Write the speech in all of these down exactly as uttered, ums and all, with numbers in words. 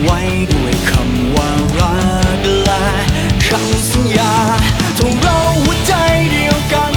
ไว้ด้วยคำว่ารักและคำสัญญาทงเราหัวใจเดียวกัน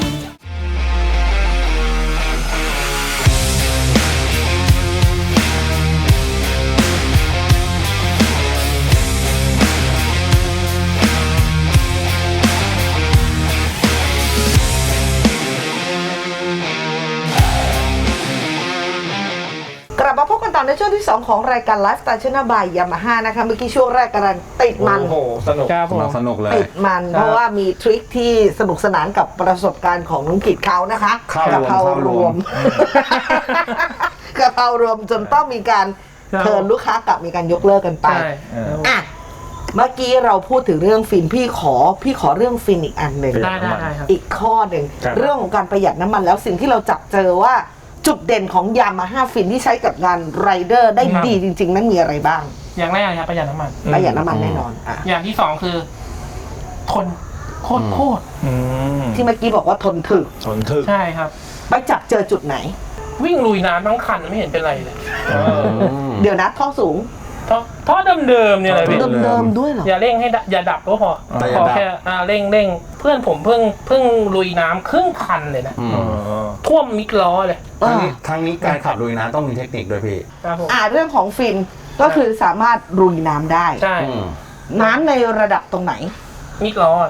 กลับมาพบกันต่อในช่วงที่สองของรายการไลฟ์สไตล์ชนะบายยามาฮ่านะคะเมื่อกี้ช่วงแรกกำลังติดมันโอ้โหสนุกครับผมสนุกเลยติดมันเพราะว่ามีทริคที่สนุกสนานกับประสบการณ์ของน้องกิจเขานะคะข้าวรวมกะเพรารวมกะเพรารวมจนต้องมีการเทิร์นลูกค้ากลับมีการยกเลิกกันไปใช่อ่ะเมื่อกี้เราพูดถึงเรื่องฟินพี่ขอพี่ขอเรื่องฟินอีกอันหนึ่งได้ได้ได้ครับอีกข้อหนึ่งครับเรื่องของการประหยัดน้ำมันแล้วสิ่งที่เราจับเจอว่าจุดเด่นของยามาฮ่าฟินที่ใช้กับงานไรเดอร์ได้ดีจริงๆ นั้นมีอะไรบ้างอย่างแรกครับประหยัดน้ำมันประหยัดน้ำมันแน่นอนอ่ะอย่างที่สองคือ ทนโคตรโคตรที่เมื่อกี้บอกว่าทนถึกทนทึกใช่ครับไปจับเจอจุดไหนวิ่งลุยน้ำทั้งคันไม่เห็นเป็นไรเลยเดี๋ยวนะท่อสูงท่อท่อเดิมๆเนี่ยเลยพี่ท่อเดิมๆด้วยเหรออย่าเร่งให้ดับอย่าดับก็พอแต่อย่าพอดับแค่อ่าเร่งเร่งเพื่อนผมเพิ่งเพิ่งลุยน้ำครึ่งคันเลยนะอืมท่วมมิดล้อเลยเอทั้งอนี้ทั้งนี้การขับลุยน้ำต้องมีเทคนิคด้วยพี่ครับผมอ่าเรื่องของฟินก็คือสามารถรุยน้ำได้ใช่อืมน้ำในระดับตรงไหนมิดล้อ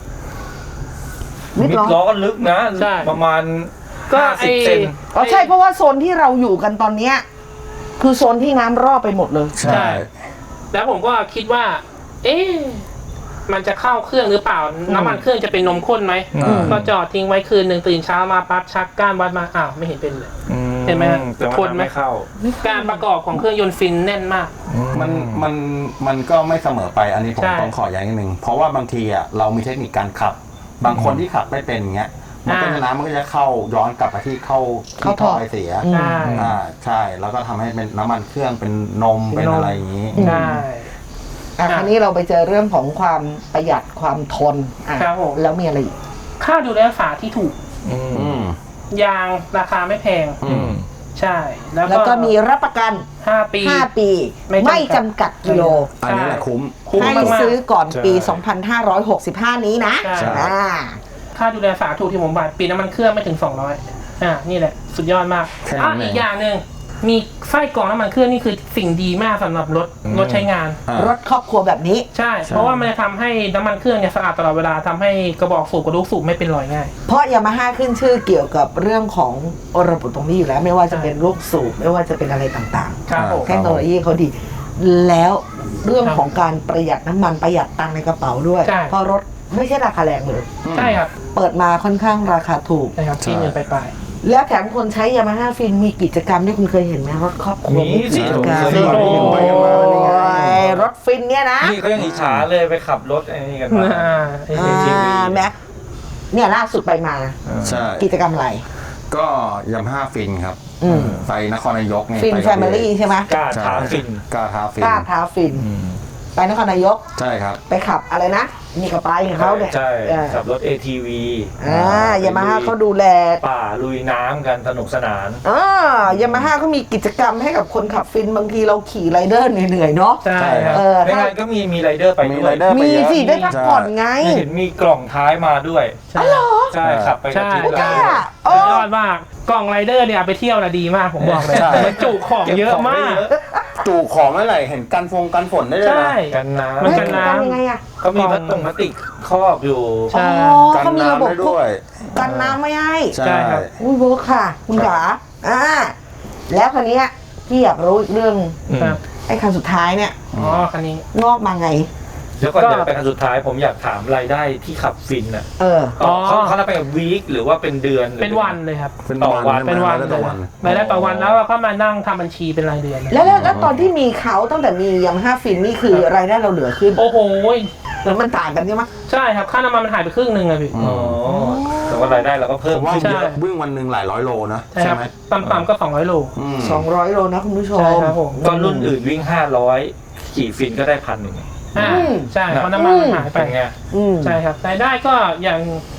มิดมิดล้อล้อก็ลึกนะใช่ประมาณก็ห้าไอสิบเซนอ๋อใช่เพราะว่าโซนที่เราอยู่กันตอนเนี้ยคือโซนที่น้ำรอบไปหมดเลยใช่แล้วผมก็คิดว่า เอ๊ะมันจะเข้าเครื่องหรือเปล่า น้ำมันเครื่องจะเป็นนมข้นไหมอืมก็จอดทิ้งไว้คืนหนึ่งตื่นเช้ามาปั๊บชักก้านวัดมาอ้าวไม่เห็นเป็นเลย เห็นไหมฮะแต่ว่าทนไหมไม่เข้าการประกอบของเครื่องยนต์ฟินแน่นมากมันมันมันก็ไม่เสมอไปอันนี้ผมใช่ต้องขอย้ำนิดนึงเพราะว่าบางทีอ่ะเรามีเทคนิคการขับ บางคนที่ขับไม่เป็นอย่างเงี้ยมันก็อ่าจะน้ำมันก็จะเข้าย้อนกลับไปที่เข้าเข้าที่ท่ท่ออไอเสียอืมใช่อ่าใช่แล้วก็ทำให้เป็นน้ำมันเครื่องเป็นนมเป็เป็น นนมอะไรอย่างนี้ใช่อ่ะคราวนี้เราไปเจอเรื่องของความประหยัดความทนอ่ะครับผมแล้วมีอะไรอีกค่าดูแลรักษาที่ถูกอืมยางราคาไม่แพงอืมใช่ แล้วแล้วก็ก็มีรับประกันห้าปีห้า ปีไม่ไม่จำจำกักัดดกิโลอันนี้แหละคุ้มคุ้มให้มากๆซื้อก่อนปีใช่สองพันห้าร้อยหกสิบห้า นี้นะใช่อ่าค่าดูแลรักษาถูกที่ผมบอกปีน้ำมันเครื่องไม่ถึงสองร้อยอ่านี่แหละสุดยอดมากแค่นั้นอ่ะเองอีกอย่างหนึ่งมีไส้กรองน้ำมันเครื่องนี่คือสิ่งดีมากสำหรับรถรถใช้งานอ่ารถครอบครัวแบบนี้ใช่ เพราะว่ามันจะทำให้น้ำมันเครื่องเนี่ยสะอาดตลอดเวลาทำให้กระบอกสูบกระดูกสูบไม่เป็นรอยง่ายเพราะยามาฮ่าขึ้นชื่อเกี่ยวกับเรื่องของระบบตรงนี้อยู่แล้ว ไม่ว่าจะเป็นลูกสูบไม่ว่าจะเป็นอะไรต่างครับผมๆ เทคโนโลยีเขาดี แล้วเรื่องของการประหยัดน้ำมันประหยัดตังค์ในกระเป๋าด้วยใช่เพราะรถไม่ใช่ราคาแรงเลยใช่ครับเปิดมาค่อนข้างราคาถูกใช่ครับที่เงินไปไปแล้วแถมคนใช้ยามาฮ่าฟินมีกิจกรรมที่คุณเคยเห็นไหมรถครอบครัวมีสิกิจกรรมผมเคยโอ้เห็นไปกันมายรถฟินเนี่ยนะนี่เขายังอิจฉาเลยไปขับรถไอ้นี่กันมาอ่าอ่าแม็กเนี่ยล่าสุดไปมาใช่กิจกรรมอะไรก็ยำห้าฟินครับอืมไปนครนายกไงฟินไปแฟมิลี่ใช่ไหมกล้าใช่ท้าฟินกล้าท้าฟินกล้าท้าฟิน ไปนครนายกใช่ครับไปขับอะไรนะนี่กับไปของเขาเนี่ยใช่เออขับรถ เอ ที วีอ่ายามาฮ่าเขาดูแลป่าลุยน้ำกันสนุกสนานอ่ายามาฮ่าเขามีกิจกรรมให้กับคนขับฟินบางทีเราขี่ไรเดอร์เหนื่อยๆเนาะใช่ใช่ครับเออในถ้างานก็มีมีไรเดอร์ไปมีด้วยไรเดอร์มีสิได้พักผ่อนไงเห็นมีกล่องท้ายมาด้วยใช่ใช่ขับไปกับใช่ทีมไม่กงาล้าน โอ้สุดยอดมากกล่องไรเดอร์เนี่ยเอาไปเที่ยวนะดีมากผมบอกเลยใช่มันจุของเยอะมากจูของเมื่อไหร่เห็นกันฟงกันฝนได้เลยใช่นะกันน้มันเฮ้ยกันน้ำกันยังไงอะำเขามีพลาสติกพลาสติกครอบอยู่ใช่อ๋อกันเขามีระบบน้ำได้พวกด้วยกันน้ำไม่ให้ใช่ใช่ครับอุ้ยเวิร์คค่ะ คุณขาอ่าแล้วคันนี้ยพี่อยากรู้อีกเรื่องครับไอ้คันสุดท้ายเนี่ยอ๋อคันนี้งอกมาไงแล้วก่อนก็จะไปคันสุดท้ายผมอยากถามรายได้ที่ขับฟินอ่ะเอออ๋อเขาเขารับไปกับวีคหรือว่าเป็นเดือนหรือเป็นวันเลยครับเป็นต่อวันใช่ไหมเป็นวันแล้วเลต่อย วันรายได้ต่อวันแล้วเราก็มานั่งทำบัญชีเป็นรายเดือนแล้วแล้วแล้วตอนที่มีเขาตั้งแต่มียามาฮ่าฟินนี่คือรายได้เราเหลือขึ้นโอ้โหแล้วมันต่างกันใช่ไหมใช่ครับค่าน้ำมันมันหายไปครึ่งหนึ่งอะพี่อ๋อแต่ว่ารายได้เราก็ผเพิ่มมว่าขึ้นใช่เยอะวิ่งวันหนึ่งหลายร้อยโลนะใช่ครับไหมต่ำๆก็สองร้อยโลอืมสองร้อยโลนะคุณผู้ชมใช่ครับผมตอนรุ่นอื่นวิ่งห้าร้อยขี่ฟินก็ได้พันหนึ่งอ่าอืมใช่เพราะน้ำมันมันหายไปเป็นไงอืมใช่ครับรายได้ก็อย่าง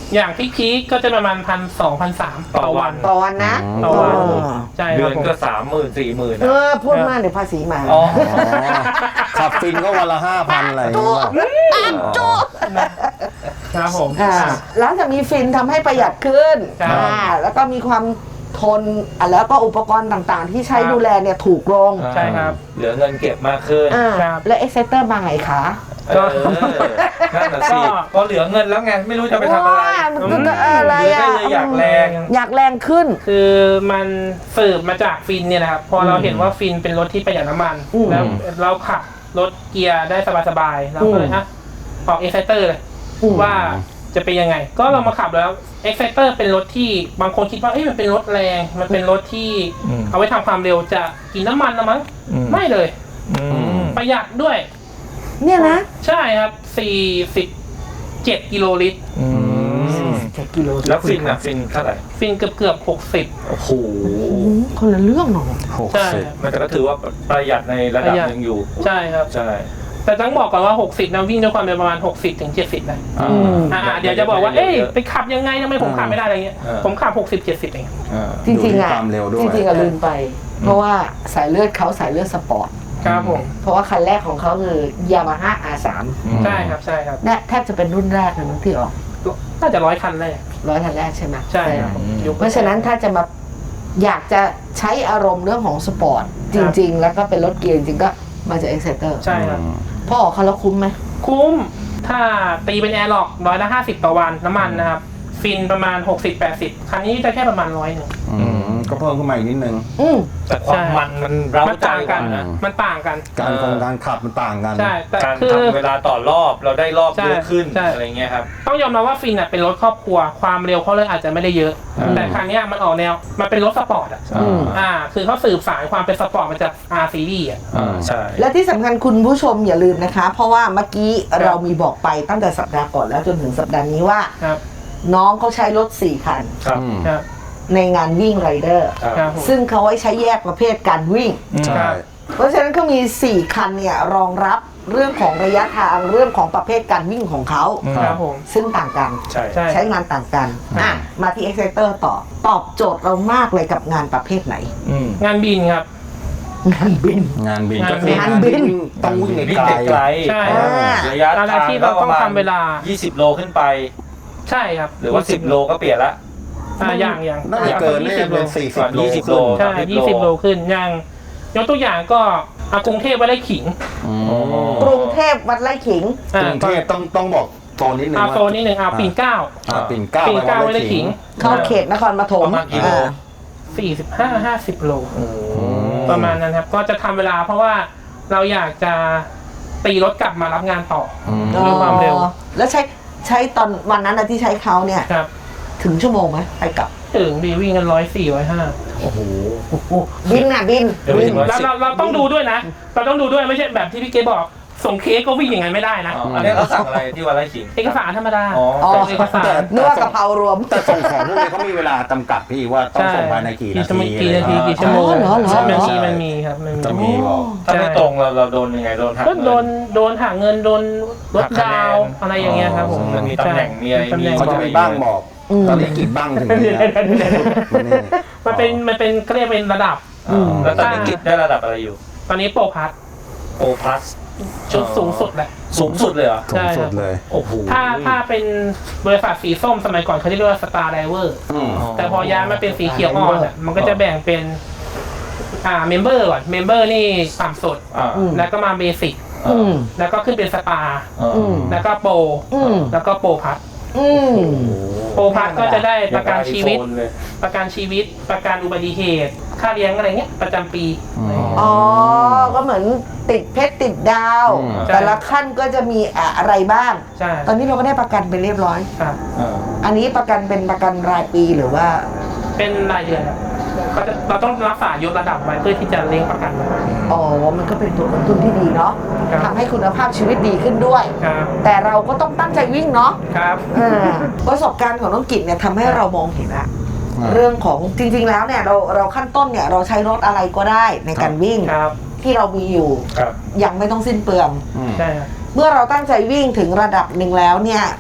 อย่างพีคๆก็จะประมาณพันสองพันสามต่อวันต่อวันนะต่อวันเออใช่คเดืรัอบ นผมก็สามหมื่นสี่หมื่นเออพูดมากเดี๋ยวภาษีมาอ๋อขับฟินก็วันละห้าพันอะไรอย่างเงี้ยอ่านจุครับผมอ่าแล้วจะมีฟินทำให้ประหยัดขึ้นครับอ่าแล้วก็มีความทนอ่ะแล้วก็อุปกรณ์ต่างๆ ที่ใช้ครับดูแลเนี่ยถูกลงใช่ครับเหลือเงินเก็บมากขึ้นอ่าครับและเอ็กเซเตอร์มาไงคะเออนั่นน่ะสิก็พอเหลือเงินแล้วไงไม่รู้จะไปทำอะไรว้ามันก็อะไรเหลืออ่ะก็เลยอยากแรงอยากแรงขึ้นคือมันสืบมาจากฟินเนี่ยนะครับพอเราเห็นว่าฟินเป็นรถที่ประหยัดน้ำมันอืมแล้วเราขับรถเกียร์ได้สบายๆเราก็เลยอืมอ่ะออกเอ็กไซเตอร์เลยอืมว่าจะเป็นยังไง ก็เรามาขับแล้วเอ็กไซเตอร์เป็นรถที่บางคนคิดว่าเอ้ยมันเป็นรถแรงมันเป็นรถที่อืมเอาไว้ทำความเร็วจะกินน้ำมันนะมั้งอืมไม่เลยอืมประหยัดด้วยเนี่ยนะใช่ครับสี่สิบเจ็ดกิโลลิตรอืมเจ็ดกิโลแล้วฟินอ่ะฟินเท่าไหร่ฟินเกือบเกือบหกสิบโอ้โหอืมคนละเรื่องหนอหกใช่สิบมันก็ถือว่าประหยัดในระดับหนึ่งอยู่ใช่ครับใช่แต่ต้องบอกก่อนว่าหกสิบนะวิ่งด้วยความเร็วประมาณหกสิบถึงเจ็ดสิบนะอ่าอ่าเดี๋ยวจะบอกว่า เอ้ยไปขับยังไงทำไมผมขับไม่ได้อะไรเงี้ยเออผมขับหกสิบเจ็ดสิบเองอ่าจริงๆอ่ะความเร็วด้วยจริงๆอ่ะลืมไป เพราะว่าสายเลือดเขาสายเลือดสปอร์ตครับผมเพราะว่าคันแรกของเขาคือยามาฮ่า อาร์ สามใช่ครับ ใช่ครับเนี่ยแทบจะเป็นรุ่นแรกเลยมั้งที่ออกน่าจะร้อยคันเลยร้อยคันแรกใช่ไหมใช่ครับอืมยุคเพราะฉะนั้นถ้าจะมาอยากจะใช้อารมณ์เรื่องของสปอร์ตจริง ๆ แล้วก็เป็นรถเกียร์จริงๆก็มาจากเอ็กเซเตอร์ใช่ครับพอออกคันแล้วคุ้มไหมคุ้ม ถ้าตีเป็นแอร์ล็อกร้อยละห้าสิบต่อวันน้ำมันนะครับ ฟินประมาณหกสิบแปดสิบคันนี้จะแค่ประมาณร้อยหนึ่งอืมก็เพิ่มขึ้นมาอีกนิดนึงอืมแต่ความมันมันเร้ามันใจต่างกกัว่าน นะมันต่างกันการคงการขับมันต่างกันใช่ แต่การคือทำเวลาต่อรอบเราได้รอบใช่เยอะขึ้นใช่อะไรเงี้ยครับต้องยอมรับว่าฟินอ่ะเป็นรถครอบครัว ความเร็วเขาเลยอาจจะไม่ได้เยอะอืมแต่คันเนี้ยมันออกแนว มันเป็นรถสปอร์ตอ่ะอืมอ่า คือเขาสืบสายความเป็นสปอร์ตมาจาก R Series อ่ะอ่าใช่และที่สำคัญคุณผู้ชมอย่าลืมนะคะ เพราะว่าเมื่อกี้เรามีบอกไปตั้งแต่สัปดาห์ก่อนแล้วจนถึงสัปดาห์นี้ว่าครับน้องเขาใช้รถสี่คันครับอืมครับในงานวิ่งไรเดอร์ครับครับผมซึ่งเขาไว้ใช้แยกประเภทการวิ่งใช่เพราะฉะนั้นเขามีสี่คันเนี่ยรองรับเรื่องของระยะทางเรื่องของประเภทการวิ่งของเขาครับผมซึ่งต่างกันใช่ใช่ใช้งานต่างกันอ่ะมาที่ Exciter ต่อ ตอบโจทย์เรามากเลยกับงานประเภทไหนอืมงานบินครับงานบินงานบินก็คืองานบินต้องวิ่งวิ่งไกลไกลใช่อ่าระยะอะไรทางที่เราต้องทำเวลายี่สิบโลขึ้นไปใช่ครับหรือว่าสิบโลก็เปลี่ยนละอ่าอย่างอย่างน่าจะเกินน่าจะเป็นสี่สิบโลยี่สิบโลใช่ยี่สิบโลขึ้นอย่างยกตัวอย่างก็อากรุงเทพไว้ได้ขิงอืมกรุงเทพวัดไร่ขิงกอ่ารุงเทพต้องต้องบอกโซนนิดนึงอาว่าโซนนิดหนึ่งอาปิ่นเกล้าอ่าปิ่นเกล้าปิ่นเกล้าไปไว้ได้ขิงเข้าเขตนครปฐมประมาณกี่โลอ่าสี่สิบห้าห้าสิบโลอืมประมาณนั้นครับ ก็จะทำเวลาเพราะว่าเราอยากจะตีรถกลับมารับงานต่ออืมด้วยความเร็วอ๋อแล้วใช้ใช้ตอนวันนั้นนะที่ใช้เขาเนี่ยครับถึงชั่วโมงไหมไปกลับถึงดีวิ่งกันร้อยสี่ร้อยห้าโอ้โหโอ้โหบินน่ะบินเดี๋ยวไปบินถึงร้อยเราเราเราต้องดูด้วยนะ เราต้องดูด้วยไม่ใช่แบบที่พี่เกบอก ส่งเค้กก็วิ่งอย่างนั้นไม่ได้นะอ๋ออันนี้เราสั่งอะไรที่วันไร่ขิงเอกสารธรรมดาอ๋ออ๋อเอกสารนึกว่ากะเพรารวมแต่ส่งของพวกนี้เขามีเวลาจำกัดพี่ว่าต้องส่งภายในกี่นาทีกี่นาทีอะไรกี่ชั่วโมงอ๋อเหรอเหรอมันเหรอมีมันมีครับมันมีจะมีบอกถ้าไม่ตรงเราเราโดนยังไงโดนหักก็โดนเงิโดนหักเงินโดนลดหักคะแนนดาวน์อะไรอย่างเงี้ยครับผมมันมีตำแหน่งมีอะไรตำแหน่งเขาจะมีบ้างบอกอืมตอนนี้กี่บ้างถึงเดี๋นี้ยวนะเดี๋ยวเดี๋ยวเดี๋ยวนี่มันเป็นมันเป็นเขาเรียกเป็นระดับอ๋อแล้วตอนนี้กิจได้ระดับอะไรอยู่ตอนนี้โปรพัทโอพลัสชุดสูงสุดแหละสูงสุดเลยเหรอสูงสุดเลยโอ้โหถ้าถ้าเป็นบริษัทสีส้มสมัยก่อนเขาเรียกว่าสตาร์ไดเวอร์อืมแต่พอย้ายมาเป็นสีเขียวอ่อนอะมันก็จะแบ่งเป็นอ่าเมมเบอร์ก่อนเมมเบอร์นี่ต่ำสุดอ่าอืมแล้วก็มาเบสิกอืมแล้วก็ขึ้นเป็นสตาร์อ่าอืมแล้วก็โปรอืมแล้วก็โปรพัทอืมโปรพัทก็จะได้ประกันชีวิตอย่างกับ iPhone เลยประกันชีวิต ประกันอุบัติเหตุ ค่าเลี้ยงอะไรเงี้ยประจำปีอืมอ๋อ ก็เหมือนติดเพชรติดดาวอืมแต่ละขั้นก็จะมีอะไรบ้างใช่ตอนนี้เราก็ได้ประกันไปเรียบร้อยครับอ่าอันนี้ประกันเป็นประกันรายปีหรือว่าเป็นรายเดือนครับเขาจะเราต้องรักษายกระดับไว้เพื่อที่จะเลี้ยงประกันไว้อ๋อ มันก็เป็นตัวกระตุ้นที่ดีเนาะครับทำให้คุณภาพชีวิตดีขึ้นด้วยครับแต่เราก็ต้องตั้งใจวิ่งเนาะครับอ่าประสบการณ์ของน้องกิจเนี่ยทำให้เรามองเห็นละอ่าเรื่องของจริงๆแล้วเนี่ยเราเราขั้นต้นเนี่ยเราใช้รถอะไรก็ได้ในการวิ่งครับที่เรามีอยู่ครับยังไม่ต้องสิ้นเปลืองอืมใช่ครับเมื่อเราตั้งใจวิ่งถึงระดับหนึ่งแล้วเนี่ย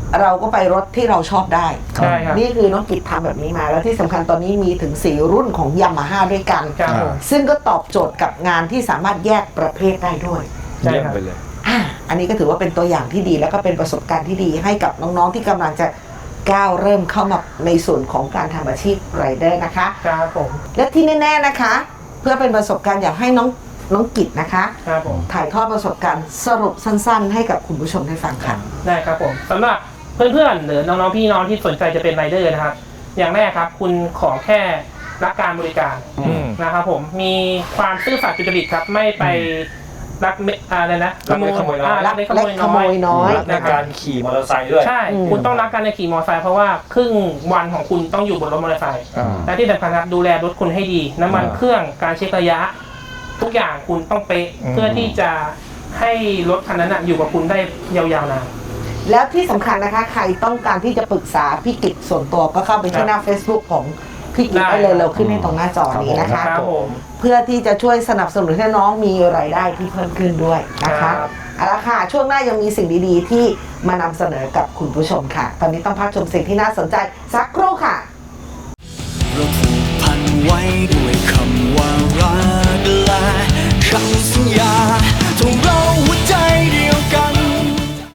เราก็ไปรถที่เราชอบได้ใช่ครับนี่คือน้องกิจทำแบบนี้มา แล้วที่สำคัญตอนนี้มีถึงสี่รุ่นของยามาฮ่าด้วยกันครับผมซึ่งก็ตอบโจทย์กับงานที่สามารถแยกประเภทได้ด้วยใช่เยี่ยมครับไปเลยอ่ะอันนี้ก็ถือว่าเป็นตัวอย่างที่ดีแล้วก็เป็นประสบการณ์ที่ดีให้กับน้องๆที่กำลังจะก้าวเริ่มเข้ามาในส่วนของการทำอาชีพไรเดอร์นะคะครับผมและที่แน่ๆนะคะ เพื่อเป็นประสบการณ์อยากให้น้องน้องกิจนะคะครับผมถ่ายทอดประสบการณ์สรุปสั้นๆ ให้กับคุณผู้ชมได้ฟังค่ะได้ครับผมสำหรับเพื่อนๆหรือน้องๆพี่น้องที่สนใจจะเป็นไรเดอร์นะครับ อย่างแรกครับคุณขอแค่รักการบริการอืมนะครับผมมีความซื่อสัตย์สุจริตครับไม่ไปรักเมอะไรนะรักเล็กขโมยน้อยารักเล็กขโมยเล็กขโมยน้อยรักในการขี่มอเตอร์ไซค์ด้วยใช่อืมคุณต้องรักการในขี่มอเตอร์ไซค์เพราะว่าครึ่งวันของคุณต้องอยู่บนรถมอเตอร์ไซค์อ่าและที่สำคัญครับดูแลรถคุณให้ดี น้ำมันอ่าเครื่องการเช็คระยะ ทุกอย่างคุณต้องเป๊ะอืมเพื่อที่จะให้รถคันนั้นนะอยู่กับคุณได้ยาวๆนานแล้วที่สำคัญนะคะ ใครต้องการที่จะปรึกษาพี่กิจส่วนตัวก็เข้าไปที่หน้า Facebook ของพี่กิจได้ได้เลยเราขึ้นให้ตรงหน้าจอนี้นะคะครับผมเพื่อที่จะช่วยสนับสนุนให้น้องมีรายได้ที่เพิ่มขึ้นด้วยนะคะครับเอาละค่ะช่วงหน้ายังมีสิ่งดีๆ ที่มานำเสนอกับคุณผู้ชมค่ะ ตอนนี้ต้องพักชมสิ่งที่น่าสนใจสักครู่ค่ะเราผูกพันไว้ด้วยคำว่ารัก